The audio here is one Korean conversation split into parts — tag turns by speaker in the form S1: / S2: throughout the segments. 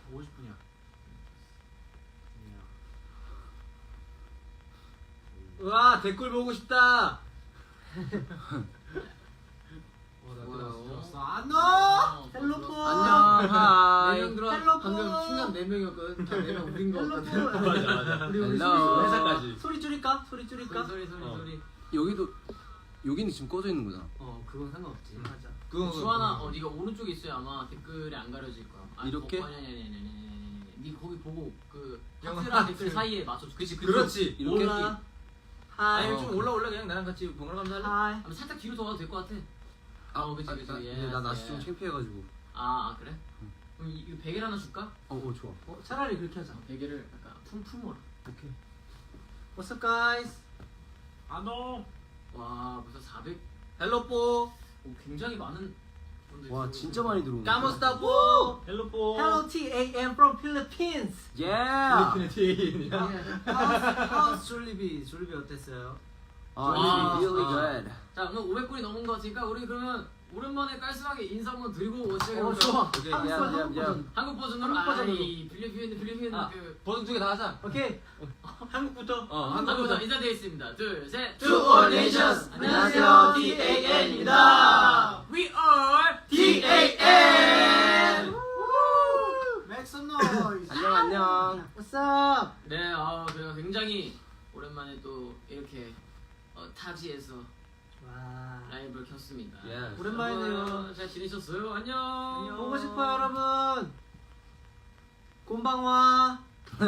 S1: 50분이야.
S2: 와 댓글 보고 싶다.
S1: 안녕. 헬로폰.
S3: 안녕. 하이.
S2: 헬로 방금 순간 4명이었거든. 다 4명 우린 거 같아.
S1: 맞아.
S2: 우리
S3: 헬로.
S2: 회사까지.
S1: 소리 줄일까? 소리 줄일까?
S2: 소리.
S3: 여기도 여기는 지금 꺼져 있는 거잖아.
S2: 그건 상관없지.
S1: 맞아.
S2: 그건
S4: 주환아, 네가 오른쪽에 있어야 아마 댓글이 안 가려질 거야.
S3: 이렇게?
S4: 아니. 네 거기 보고 그
S2: 영화
S4: 하트랑 댓글 사이에 맞춰. 그치.
S2: 그렇지.
S3: 이렇게?
S1: 올라. 하이.
S2: 아니 좀 올라올래 그냥 나랑 같이 번갈아 가면서 할래?
S1: 하이.
S4: 아니, 살짝 뒤로 더 가도 될 것 같아. 그치.
S3: 근데 나 날씨 좀 창피해가지고.
S4: 그래? 그럼 이거 베개를 하나 줄까?
S3: 좋아.
S1: 차라리 그렇게 하자.
S4: 베개를 약간 품품으로.
S3: 오케이.
S1: What's up, guys?
S5: 안녕.
S4: 와, 벌써 400.
S2: 헬로뽀.
S4: 굉장히 많은 분들이.
S3: 와 진짜 많이 들어오네.
S2: 까모스타뽀.
S5: 헬로포.
S1: Hello, TAM from Philippines.
S3: 예.
S2: 필리핀의 TA인이야.
S1: How's 졸리비? 졸리비 어땠어요?
S4: 와.
S3: really good.
S4: 자, 오늘 500분이 넘은 거 같으니까 우리 그러면 오랜만에 깔끔하게 인사 한번 드리고 시작해볼까요?
S1: 좋아.
S2: 오케이.
S1: 한국
S3: 야,
S1: 버전,
S3: 야,
S1: 한국
S3: 야.
S1: 버전.
S4: 한국 버전으로.
S1: 한국 버전으로.
S4: 필리핀 그
S2: 버전 2개 다 하자.
S1: 오케이. 한국부터.
S4: 한국 버전 인사드리겠습니다. 둘, 셋.
S1: To all nations. 안녕하세요, TAN입니다.
S4: We are
S1: TAN. Make some noise.
S3: 안녕.
S1: What's up?
S4: 네, 저희가 굉장히 오랜만에 또 이렇게 타지에서
S1: 와.
S4: 라이브를 켰습니다.
S2: Yes.
S1: 오랜만이네요.
S4: 여러분, 잘 지내셨어요? 안녕.
S1: 보고 싶어요, 여러분. 곤방와.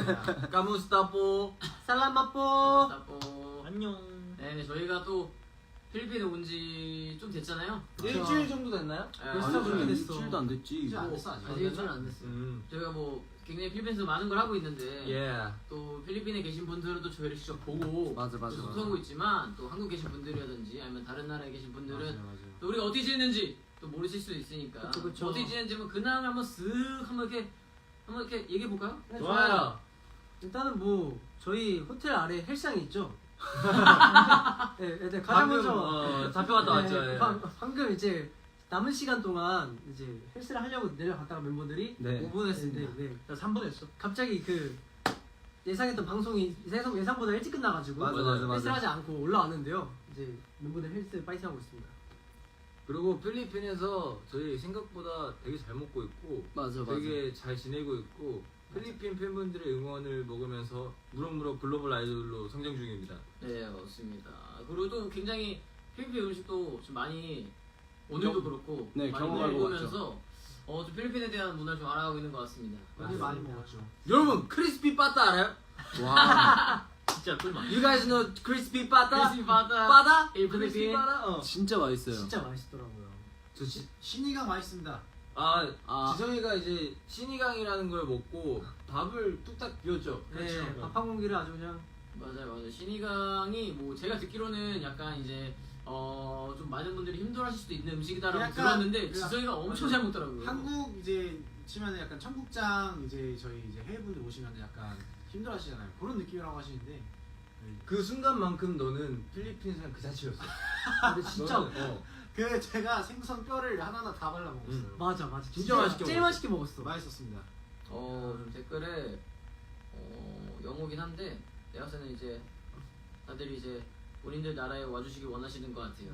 S2: 까모스타뽀.
S1: 살라마뽀.
S4: 따뽀.
S5: 안녕.
S4: 네, 저희가 또 필리핀에 온 지 좀 됐잖아요.
S2: 일주일 정도 됐나요?
S1: 벌써 그렇게
S3: 아니,
S1: 됐어.
S3: 일주일도 안 됐지.
S1: 일주일 안 됐어, 아직.
S4: 아직 일주일 안 됐어요.
S2: 음.
S4: 저희가 뭐 굉장히 필리핀에서 많은 걸 하고 있는데
S2: 예.
S4: 또 필리핀에 계신 분들은 또 저희를 직접 보고
S3: 맞아.
S4: 또 소통하고 있지만 또 한국 계신 분들이라든지 아니면 다른 나라에 계신 분들은
S2: 맞아.
S4: 또 우리가 어떻게 지냈는지 또 모르실 수도 있으니까
S1: 그쵸.
S4: 어떻게 지냈는지 뭐 근황을 한번 쓱 한번 이렇게 얘기해 볼까요?
S1: 네,
S2: 좋아요.
S1: 일단은 뭐 저희 호텔 아래 헬스장이 있죠. 네, 일단 가장 먼저
S2: 잡혀갔다 왔죠.
S1: 네,
S2: 예.
S1: 방금 이제 남은 시간 동안 이제 헬스를 하려고 내려갔다가 멤버들이
S3: 네.
S1: 5분 했습니다. 네.
S5: 나 3분 했어.
S1: 갑자기 그 예상했던 방송이 예상보다 일찍 끝나가지고
S3: 맞아.
S1: 헬스를 하지 않고 올라왔는데요. 이제 멤버들 헬스 파이팅 하고 있습니다.
S2: 그리고 필리핀에서 저희 생각보다 되게 잘 먹고 있고
S3: 맞아.
S2: 되게 잘 지내고 있고 필리핀 팬분들의 응원을 먹으면서 무럭무럭 글로벌 아이돌로 성장 중입니다.
S4: 네, 맞습니다. 그리고 또 굉장히 필리핀 음식도 좀 많이 오늘도 그렇고
S3: 네,
S4: 많이
S3: 경험하고
S4: 먹으면서 좀 필리핀에 대한 문화를 좀 알아가고 있는 것 같습니다.
S1: 오늘 많이 먹었죠.
S2: 여러분 크리스피 빠따 알아요?
S3: 와.
S5: 진짜 꿀맛.
S2: You guys know crispy 빠따?
S4: 크리스피 바다.
S2: 빠따?
S4: 일
S2: crispy
S4: 필리핀.
S2: 빠따?
S3: 진짜 맛있어요.
S1: 진짜 맛있더라고요.
S6: 신이가 맛있습니다.
S2: 지성이가 이제 신이강이라는 걸 먹고 밥을 뚝딱 비웠죠.
S1: 네, 밥 한 공기를 아주 그냥
S4: 맞아요. 신이강이 뭐 제가 듣기로는 약간 이제 좀 많은 분들이 힘들어하실 수도 있는 음식이다라고
S6: 약간
S4: 들었는데
S6: 그-
S4: 지성이가 엄청 잘 먹더라고요.
S6: 한국 이제 치면은 약간 청국장 이제 저희 이제 해외분들 오시면 약간 힘들어하시잖아요. 그런 느낌이라고 하시는데
S2: 그 순간만큼 너는 필리핀 사람 그 자체였어.
S1: 근데 진짜
S6: 그 제가 생선 뼈를 하나하나 다 발라 먹었어요.
S1: 맞아.
S2: 진짜 맛있게
S1: 제일
S2: 먹었어.
S1: 맛있게 먹었어.
S6: 맛있었습니다.
S4: 좀 댓글에 영어긴 한데 내가 봤을 때는 이제 다들 이제 본인들 나라에 와주시길 원하시는 것 같아요.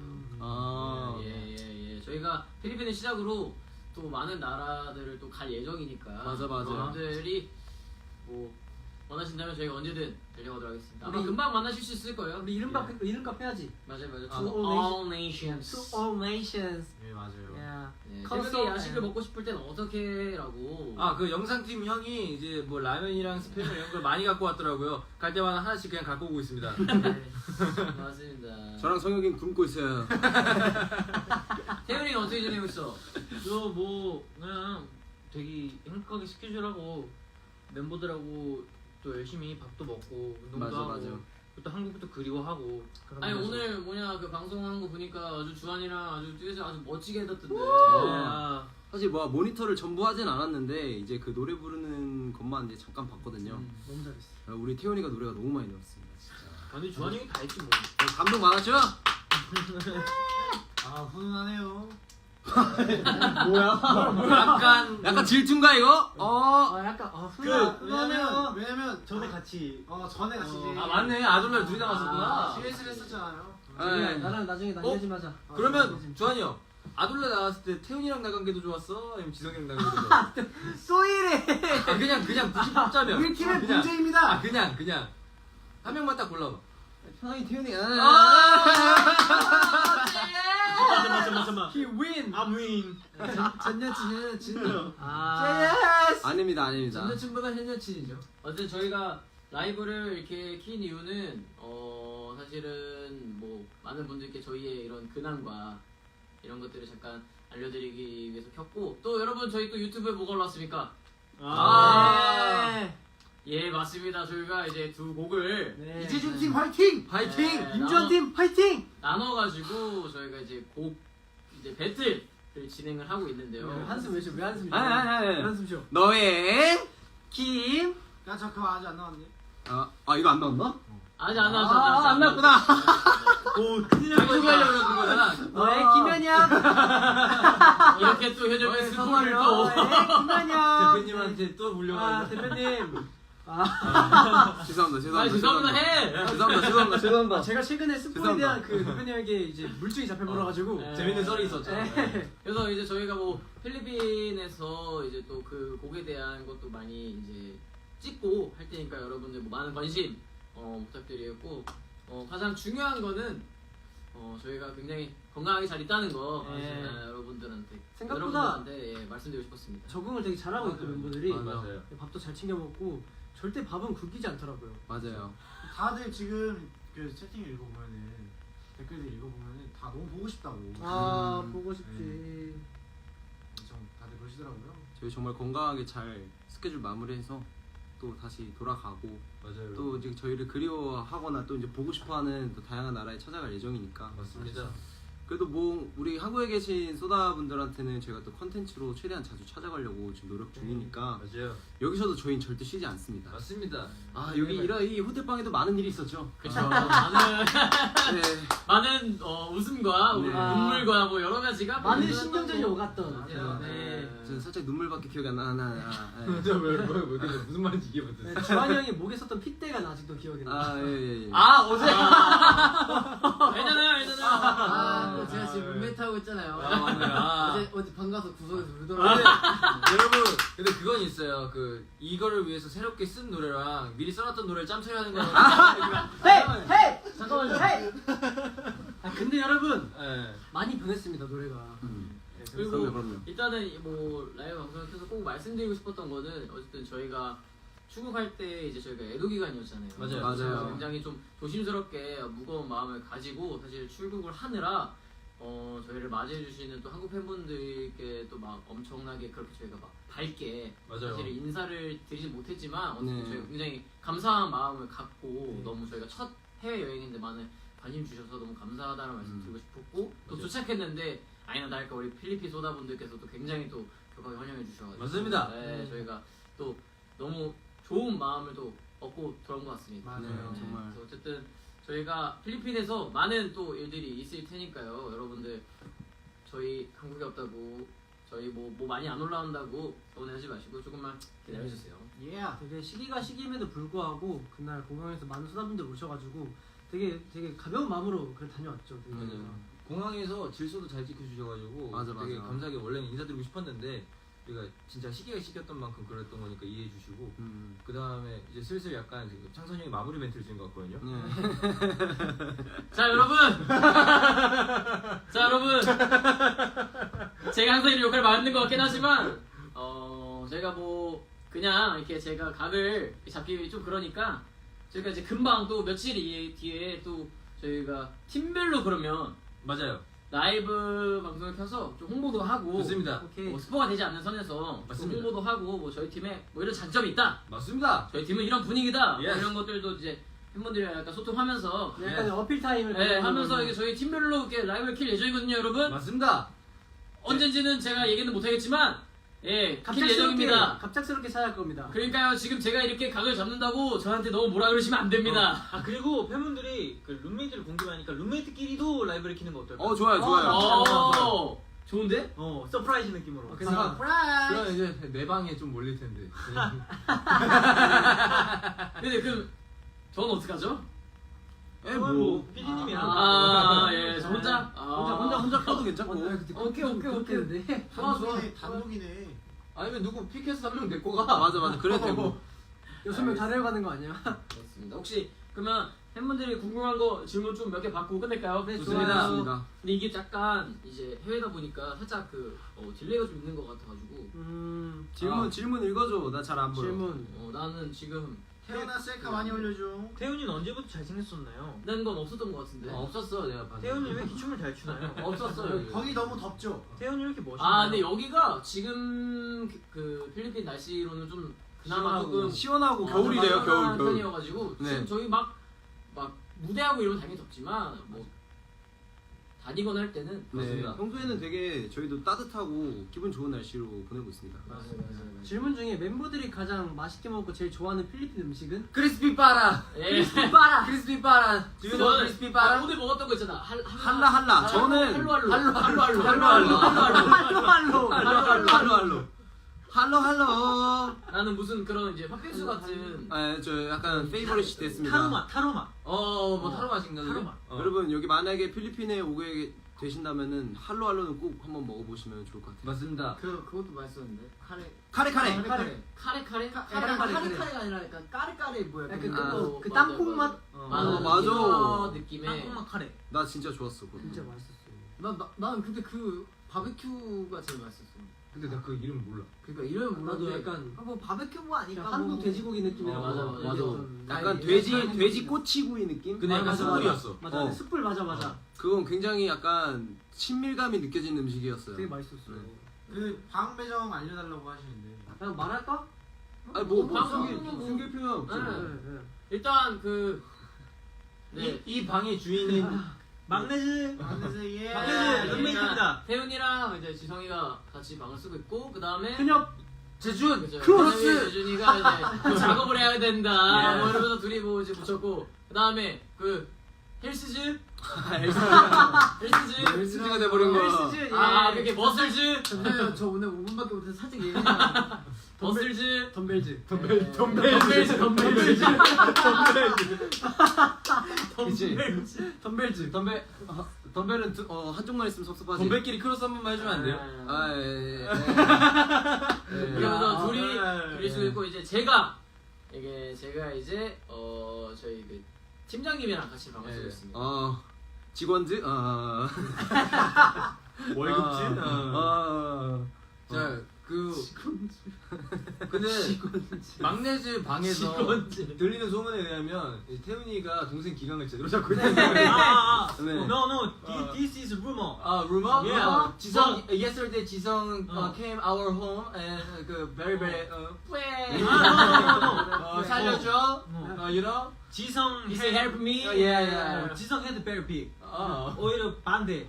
S4: 예. 저희가 필리핀을 시작으로 또 많은 나라들을 또 갈 예정이니까
S3: 맞아.
S4: 여러분들이 뭐 원하신다면 저희가 언제든 데려가도록 하겠습니다. 아마
S1: 우리-
S4: 금방 만나실 수 있을 거예요.
S1: 우리 이름값 해야지.
S4: 맞아요.
S1: To
S4: To all nations.
S1: To all nations.
S6: 네 맞아요.
S1: Yeah.
S4: 네,
S1: 커서-
S4: 새벽에 야식을 먹고 싶을 땐 어떻게라고.
S2: 그 영상팀 형이 이제 뭐 라면이랑 스팸 이런 걸 많이 갖고 왔더라고요. 갈 때마다 하나씩 그냥 갖고 오고 있습니다.
S4: 네, 맞습니다.
S3: 저랑 성혁이는 굶고 있어요.
S4: 태훈이는 어떻게 지내고 있어?
S5: 저 뭐 그냥 되게 행복하게 스케줄하고 멤버들하고 또 열심히 밥도 먹고 운동도 하고 또 한국도 그리워하고.
S4: 아니 오늘 그 방송하는 거 보니까 아주 주한이랑 아주 듀엣을 아주 멋지게 해뒀던데.
S3: 사실 모니터를 전부 하진 않았는데 이제 그 노래 부르는 것만 이제 잠깐 봤거든요.
S1: 너무 잘했어.
S3: 우리 태훈이가 노래가 너무 많이 나왔습니다. 진짜.
S5: 근데 주한이 형이 다 했지 뭐.
S3: 감동 많았죠?
S6: 훈훈하네요.
S3: 약간 질투인가 이거?
S1: 약간
S6: 왜냐면
S1: 전에 같이
S6: 전에 같이 이제
S2: 아 맞네 아돌라 둘이 나갔었구나.
S6: CS를 했었잖아요.
S3: 네.
S1: 나랑 나중에 나뉘지 마자.
S2: 그러면 주한이 형 아돌라 나왔을 때 태훈이랑 나간 게도 좋았어? 아니면 지성이랑 나간 게도 좋았어?
S1: 소이래.
S2: 아, 그냥 굳이 뽑자면
S6: 우리 팀의
S2: 그냥.
S6: 문제입니다.
S2: 아 그냥 한 명만 딱 골라봐.
S3: 편하게 태훈이.
S1: 잠깐만. He win.
S5: I'm win.
S1: 전 여친.
S3: 아닙니다.
S1: 전 여친보다 현 여친이죠.
S4: 어쨌든 저희가 라이브를 이렇게 킨 이유는 사실은 뭐 많은 분들께 저희의 이런 근황과 이런 것들을 잠깐 알려드리기 위해서 켰고 또 여러분 저희 또 유튜브에 뭐가 올라왔습니까? 예 맞습니다. 저희가 이제 두 곡을
S1: 네.
S6: 이재준 팀 화이팅!
S2: 파이팅!
S4: 네,
S1: 임주환 팀 파이팅.
S4: 나눠가지고 저희가 이제 곡 이제 배틀을 진행을 하고 있는데요.
S1: 한숨 왜 쉬어? 왜 한숨 쉬어?
S3: 아니.
S1: 한숨 쉬어.
S3: 너의
S1: 김.
S6: 야, 저 그거 아직 안 나왔네.
S3: 이거 안 나왔나?
S4: 아직 안 나왔어.
S3: 안 나왔구나.
S5: 오 큰일 날
S2: 자기 소개하려고 그런 거잖아.
S1: 너의 김현영.
S4: 이렇게 또 현역의 스포를
S1: 성화를
S4: 또
S1: 너의 김현영.
S2: 대표님한테 또 물려가지고.
S1: 대표님.
S3: 죄송합니다.
S4: 해.
S3: 죄송합니다.
S1: 제가 최근에 스포에
S3: 죄송합니다.
S1: 대한 그 대표님에게 이제 물증이 잡혀버려가지고
S4: 네.
S2: 재밌는 썰이 있었죠.
S4: 그래서 이제 저희가 뭐 필리핀에서 이제 또 그 곡에 대한 것도 많이 이제 찍고 할 테니까 여러분들 뭐 많은 관심 부탁드리겠고 가장 중요한 거는 저희가 굉장히 건강하게 잘 있다는 거 여러분들한테 여러분들한테 말씀드리고 싶었습니다.
S1: 적응을 되게 잘하고 있고 멤버들이
S2: 맞아요.
S1: 밥도 잘 챙겨 먹고 절대 밥은 굶기지 않더라고요.
S3: 맞아요.
S6: 다들 지금 그 채팅 읽어보면은 댓글들 읽어보면은 다 너무 보고 싶다고.
S1: 보고 싶지.
S6: 엄청 다들 그러시더라고요.
S3: 저희 정말 건강하게 잘 스케줄 마무리해서 또 다시 돌아가고
S2: 맞아요.
S3: 또 이제 저희를 그리워하거나 또 이제 보고 싶어하는 또 다양한 나라에 찾아갈 예정이니까.
S2: 맞습니다.
S3: 그래도 뭐 우리 한국에 계신 소다 분들한테는 저희가 또 컨텐츠로 최대한 자주 찾아가려고 지금 노력 중이니까
S2: 맞아요.
S3: 여기서도 저희는 절대 쉬지 않습니다.
S2: 맞습니다.
S3: 여기 이 호텔방에도 많은 일이 있었죠.
S4: 그렇죠. 많은
S3: 네.
S4: 많은 웃음과
S3: 네.
S4: 눈물과 뭐 여러 가지가
S1: 많은
S4: 일어났던
S1: 신경전이
S4: 거.
S1: 오갔던.
S4: 맞아요.
S1: 네.
S3: 저는 살짝 눈물밖에 기억이 안 나. 네.
S2: 무슨 말인지 이해 못했어.
S1: 주한이 형이 목에 썼던 핏대가 아직도 기억이 나.
S3: 예.
S4: 어제 알잖아요.
S7: 제가 지금 룸메이트 하고 있잖아요.
S2: 맞네.
S7: 어제 방 가서 구석에서 울더라고요.
S2: 여러분, 근데 그건 있어요. 그 이거를 위해서 새롭게 쓴 노래랑 미리 써놨던 노래를 짬처리 하는 거랑.
S1: 헤이! 잠깐만요. 헤이! 근데 여러분
S2: 네.
S1: 많이 변했습니다 노래가.
S4: 네, 그리고
S3: 그럼요.
S4: 일단은 뭐 라이브 방송을 켜서 꼭 말씀드리고 싶었던 거는 어쨌든 저희가 출국할 때 이제 저희가 애도 기간이었잖아요.
S2: 맞아요.
S4: 그래서 굉장히 좀 조심스럽게 무거운 마음을 가지고 사실 출국을 하느라 저희를 맞이해 주시는 또 한국 팬분들께 또 막 엄청나게 그렇게 저희가 막 밝게
S2: 맞아요.
S4: 사실 인사를 드리지 못했지만 어쨌든
S3: 네.
S4: 저희가 굉장히 감사한 마음을 갖고 너무 저희가 첫 해외 여행인데 많은 관심 주셔서 너무 감사하다는 말씀 드리고 싶었고 또
S2: 맞아요.
S4: 도착했는데 아니나 다를까 우리 필리핀 소다 분들께서도 굉장히 또 격하게 환영해 주셔가지고
S2: 맞습니다.
S4: 네, 저희가 또 너무 좋은 마음을 또 얻고 돌아온 것 같습니다.
S6: 맞아요.
S3: 네, 정말.
S4: 그래서 어쨌든 저희가 필리핀에서 많은 또 일들이 있을 테니까요. 여러분들 저희 한국에 없다고 저희 뭐 많이 안 올라온다고 서운해하지 마시고 조금만 기다려주세요.
S1: 되게 시기가 시기임에도 불구하고 그날 공항에서 많은 소다분들 오셔가지고 되게 가벼운 마음으로 그래 다녀왔죠. 되게.
S2: 맞아요. 공항에서 질서도 잘 지켜주셔가지고
S3: 맞아.
S2: 되게 감사하게 원래는 인사드리고 싶었는데 우리가 진짜 시기가 시켰던 만큼 그랬던 거니까 이해해주시고 그 다음에 이제 슬슬 약간 지금 창선이 형이 마무리 멘트를 지은 것 같거든요.
S4: 자 여러분, 제가 항상 이렇게 역할을 맡는 것 같긴 하지만 제가 뭐 그냥 이렇게 제가 각을 잡기 좀 그러니까 저희가 이제 금방 또 며칠 뒤에 또 저희가 팀별로 그러면
S2: 맞아요.
S4: 라이브 방송을 켜서 좀 홍보도 하고
S2: 좋습니다.
S1: 오케이.
S4: 뭐 스포가 되지 않는 선에서 좀
S2: 맞습니다.
S4: 홍보도 하고 뭐 저희 팀에 뭐 이런 장점이 있다.
S2: 맞습니다.
S4: 저희 팀은 이런 분위기다. 뭐
S2: Yes.
S4: 이런 것들도 이제 팬분들이랑 약간 소통하면서
S1: 약간 어필 타임을
S4: 하면서 이게 저희 팀별로 이렇게 라이브를 킬 예정이거든요, 여러분.
S2: 맞습니다.
S4: 언젠지는 제가 얘기는 못하겠지만 킬 예정입니다.
S1: 갑작스럽게 찾아갈 겁니다.
S4: 그러니까요, 지금 제가 이렇게 각을 잡는다고 저한테 너무 뭐라 그러시면 안 됩니다.
S5: 그리고 팬분들이 그 룸메이트를 공개하니까 룸메이트끼리도 라이브를 키는 거 어떨까요?
S3: 좋아요.
S4: 오,
S5: 좋은데?
S1: 서프라이즈 느낌으로.
S2: 그래서
S7: 프라이.
S2: 그럼 이제 내 방에 좀 몰릴 텐데.
S4: 근데 그럼 전 어떡하죠?
S3: 뭐
S1: PD님이랑.
S4: 예, 저 혼자?
S3: 혼자 켜도 괜찮고.
S7: 오케이.
S6: 단독이네.
S2: 아니면 누구 피켓스 한 명 데리고 가.
S3: 맞아 그래도 되고.
S1: 6명 다 내려가는 거 아니야?
S4: 그렇습니다. 혹시 그러면 팬분들이 궁금한 거 질문 좀 몇 개 받고 끝낼까요?
S1: 네,
S3: 좋습니다.
S4: 근데 이게 약간 이제 해외다 보니까 살짝 그 딜레이가 좀 있는 것 같아가지고
S3: 질문 읽어줘. 나 잘 안 보여.
S1: 질문.
S4: 나는 지금
S6: 태어나 셀카 많이 올려줘.
S5: 태훈이는 언제부터 잘생겼었나요?
S4: 난 건 없었던 것 같은데.
S2: 없었어 내가 봤을 때.
S5: 태훈이 왜 이렇게 춤을 잘 추나요?
S2: 없었어 여기.
S6: 거기 너무 덥죠.
S5: 태훈이 왜 이렇게 멋있나요?
S4: 아 근데 여기가 지금 그 필리핀 날씨로는 좀 그나마 조금
S3: 시원하고 겨울이래요. 겨울.
S4: 편이어가지고
S3: 네.
S4: 지금 저희 막 무대하고 이러면 당연히 덥지만 뭐 다니거나 할 때는
S3: 네.
S4: 그렇습니다.
S3: 평소에는 되게 저희도 따뜻하고 기분 좋은 날씨로 보내고 있습니다.
S4: 맞아요.
S1: 질문 중에 멤버들이 가장 맛있게 먹고 제일 좋아하는 필리핀 음식은?
S7: 크리스피 빠라.
S4: 예.
S1: 빠라.
S7: 크리스피 빠라.
S4: 저는
S7: 크리스피 빠라.
S4: 오늘 먹었던 거 있잖아.
S3: 할라. 저는 할로.
S4: 나는 무슨 그런 이제 팥빙수 같은
S3: 저 약간 페이버릿이 됐습니다.
S5: 타로맛.
S4: 뭐 타로 맛인가 그게?
S5: 타로맛.
S3: 여러분 여기 만약에 필리핀에 오게 되신다면은 할로는 꼭 한번 먹어보시면 좋을 것 같아요.
S2: 맞습니다.
S7: 그것도 맛있었는데.
S3: 카레.
S7: 카레가 아니라 약간 까레 뭐야?
S1: 약간 그
S4: 맞아,
S1: 땅콩 맛?
S3: 맞아.
S4: 느낌의
S5: 땅콩맛 카레.
S3: 나 진짜 좋았어. 그거.
S1: 진짜 맛있었어.
S7: 난 근데 그 바베큐가 제일 맛있었어.
S2: 근데 나 그 이름 몰라.
S7: 그러니까 이름은
S1: 나도
S7: 몰랐는데
S1: 약간
S7: 뭐 바베큐 뭐 아니까
S1: 한국
S7: 뭐.
S1: 돼지고기 느낌이라고.
S4: 맞아.
S3: 약간
S7: 아니,
S3: 돼지 꼬치구이 느낌?
S2: 근데 약간 숯불이었어.
S1: 맞아. 숯불 맞아.
S3: 그건 굉장히 약간 친밀감이 느껴지는 음식이었어요.
S1: 되게 맛있었어.
S6: 그 방 배정 알려달라고 하시는데.
S1: 그냥 말할까?
S3: 아니 뭐
S4: 방송
S3: 숨길 필요는 없지.
S4: 네. 일단
S2: 이 방의 주인은
S5: 막내즈.
S6: 안녕하세요. 예.
S5: 막내즈 룸메이트입니다.
S4: 태훈이랑 이제 지성이가 같이 방을 쓰고 있고 그 다음에
S1: 현엽.
S4: 재준
S3: 크로스!
S4: 재준이가 이제 작업을 해야 된다
S5: 예.
S4: 뭐 이러면서 둘이 뭐 이제 붙였고 그 다음에 그 헬스즈
S3: 헬스지가 돼버린 거야.
S4: 아 그게 머슬즈
S7: 잠시만요. 저 오늘 5분밖에 못해서 살짝 얘기해요.
S4: 머슬즈
S1: 덤벨즈.
S3: 덤벨은 한쪽만 있으면 섭섭하지.
S2: 덤벨끼리 크로스 한 번만 해주면 안 돼요?
S4: 그러면서 둘이 쓰고 있고 이제 제가 이제 저희 그 팀장님이랑 같이 방을 쓰고 있습니다.
S3: 직원즈?
S2: 월급진?
S3: 자,
S2: 근데 막내즈 방에서 들리는 소문에 의하면 태훈이가 동생 기강을 제대로 잡고 있다는 거예요.
S3: 네.
S5: No. This is rumor.
S2: rumor?
S5: Yeah.
S2: 지성, yesterday 지성 came our home and very
S5: No.
S2: 살려줘. You know?
S5: 지성
S2: He said help me.
S5: yeah. 지성 had very big. 오히려 반대.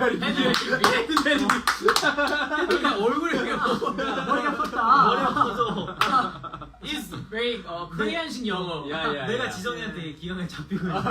S4: 얼굴이
S1: 머리가 컸다.
S5: 머리가 커서.
S4: is very 코리안식 영어.
S5: 내가 지성이한테 기강을 잡히고 있어.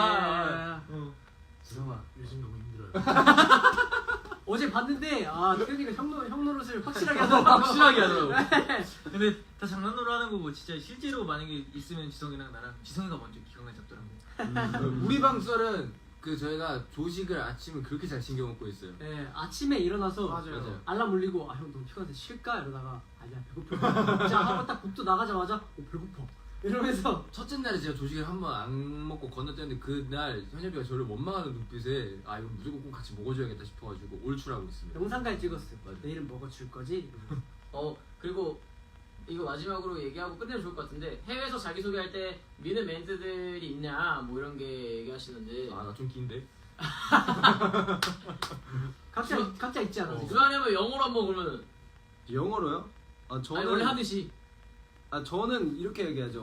S6: 지성아 요즘 너무 힘들어요.
S1: 어제 봤는데 태훈이가 형 노릇을 확실하게 하더라고.
S5: 근데 다 장난으로 하는 거고 진짜 실제로 만약에 있으면 지성이랑 나랑 지성이가 먼저 기강을 잡더라고.
S2: 우리 방 썰은 저희가 조식을 아침을 그렇게 잘 챙겨 먹고 있어요.
S1: 네, 아침에 일어나서
S6: 맞아요.
S1: 알람 울리고 형 너무 피곤한데 쉴까? 이러다가 아니야 배고파. 자 하고 딱 복도 나가자마자 배고파. 이러면서
S2: 첫째 날에 제가 조식을 한 번 안 먹고 건너뛰었는데 그날 현엽이가 저를 원망하는 눈빛에 이거 무조건 꼭 같이 먹어줘야겠다 싶어가지고 올출하고 있습니다.
S1: 영상까지 찍었어요. 내일은 먹어줄 거지?
S4: 그리고 이거 마지막으로 얘기하고 끝내면 좋을 것 같은데 해외에서 자기소개할 때 미는 멘트들이 있냐 뭐 이런 게 얘기하시는데
S2: 나 좀 긴데?
S1: 각자 있지 않아?
S4: 주한이면 영어로 한번 그러면
S3: 영어로요? 저는
S4: 원래 하듯이
S3: 저는 이렇게 얘기하죠.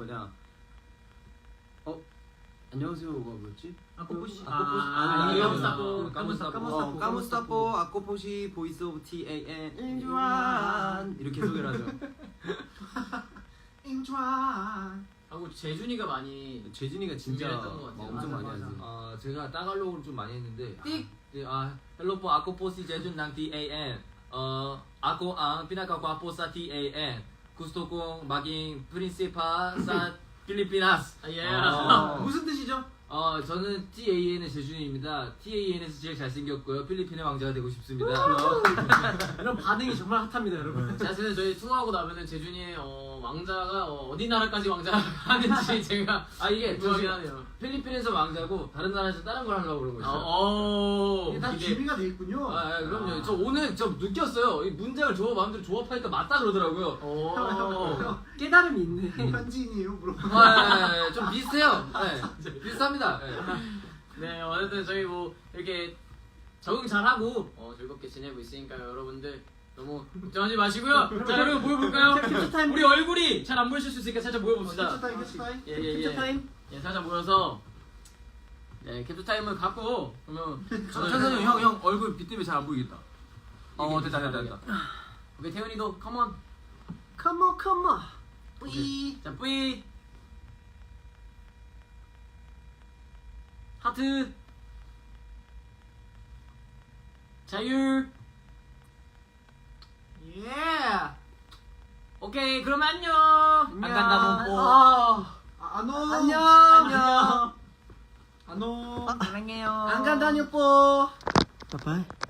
S3: 안녕하세요가 뭐였지? 까무스타포 아코포시 보이스 오브 TAN 인주안 이렇게 소개를 하죠.
S6: 인주안.
S4: 하고 재준이가 많이
S3: 재진이가 진짜
S4: 준비를 했던 것 같아요.
S3: 엄청 많이 하지.
S2: 제가 따갈로그를 좀 많이 했는데 hello po, ako po si Jejun ng TAN. Ako ang pinakagwapo sa TAN. Gusto kong maging principal sa Pilipinas.
S1: 무슨 뜻이죠?
S2: 저는 TAN의 재준입니다. TAN에서 제일 잘생겼고요. 필리핀의 왕자가 되고 싶습니다.
S1: 이런 반응이 정말 핫합니다, 여러분.
S4: 사실은 저희 투어하고 나면은 재준이의 왕자가 어디 나라까지 왕자가 하는지 제가
S2: 이게
S4: 궁금하긴 하네요.
S2: 필리핀에서 왕자고 다른 나라에서 다른 걸 하려고 그러고 있어요.
S6: 이게 다 준비가 돼 있군요.
S2: 그럼요. 저 오늘 좀 느꼈어요. 이 문장을 마음대로 조합하니까 맞다 그러더라고요.
S1: 깨달음이 있네.
S6: 현지인이에요, 물어.
S2: 좀 비슷해요. 비슷합니다.
S4: 네, 어쨌든 저희 뭐 이렇게 적응 잘하고 즐겁게 지내고 있으니까요, 여러분들 너무 걱정하지 마시고요. 자, 여러분 모여볼까요? 우리 얼굴이 잘 안 보이실 수 있으니까 살짝 모여봅시다.
S6: 캡처 타임.
S1: 캡처 타임.
S4: 예, 살짝 모여서 캡처 타임을 갖고 그러면
S3: 천선이 형 얼굴 빛 때문에 잘 안 보이겠다. 됐다.
S4: 오케이, 태훈이도 컴온.
S1: 컴온 컴온.
S4: 뿌이. 자, 뿌이. 하트. 자율.
S1: 예.
S4: 오케이, 그럼 안녕.
S2: 안 간다면 뭐.
S1: 안녕.
S6: 안녕.
S1: 안 간다뇨 뽀. 빠빠이.